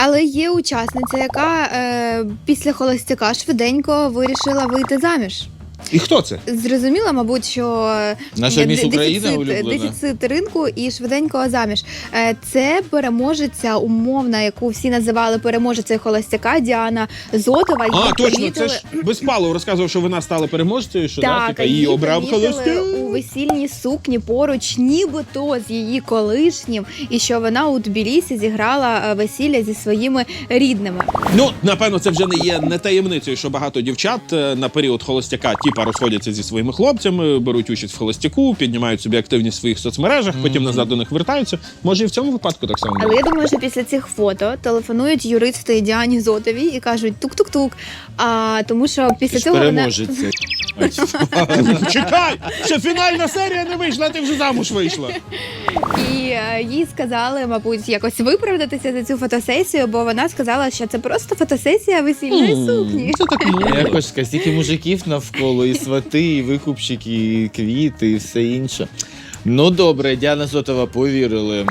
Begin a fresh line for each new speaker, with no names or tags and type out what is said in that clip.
Але є учасниця, яка після холостяка швиденько вирішила вийти заміж.
І хто це?
Зрозуміла, мабуть, що
Наша міс Україна улюблена.
дефіцит ринку і швиденько заміж. Це переможеця умовна, яку всі називали переможецею холостяка, Діана Зотова.
А, точно, це ж Безпалов розказував, що вона стала переможцею, що
Так,
типа, її обрав холостяк.
у весільній сукні поруч, нібито з її колишнім, і що вона у Тбілісі зіграла весілля зі своїми рідними.
Ну, напевно, це вже не таємницею, що багато дівчат на період холостяка типа розходяться зі своїми хлопцями, беруть участь в холостяку, піднімають собі активність в своїх соцмережах, потім назад до них вертаються. Може, і в цьому випадку так само.
Але я думаю, що після цих фото телефонують юристи Діані Зотовій і кажуть тук-тук-тук. Тому що після цього вона...
Переможеться.
Чекай! Ще фінальна серія не вийшла, а ти вже замуж вийшла.
І їй сказали, мабуть, якось виправдатися за цю фотосесію, бо вона сказала, що це просто фотосесія весільної сукні.
Це так мило.
Якось стільки мужиків навколо, і свати, і викупчики, і квіти, і все інше. Ну добре, Діана Зотова повірили.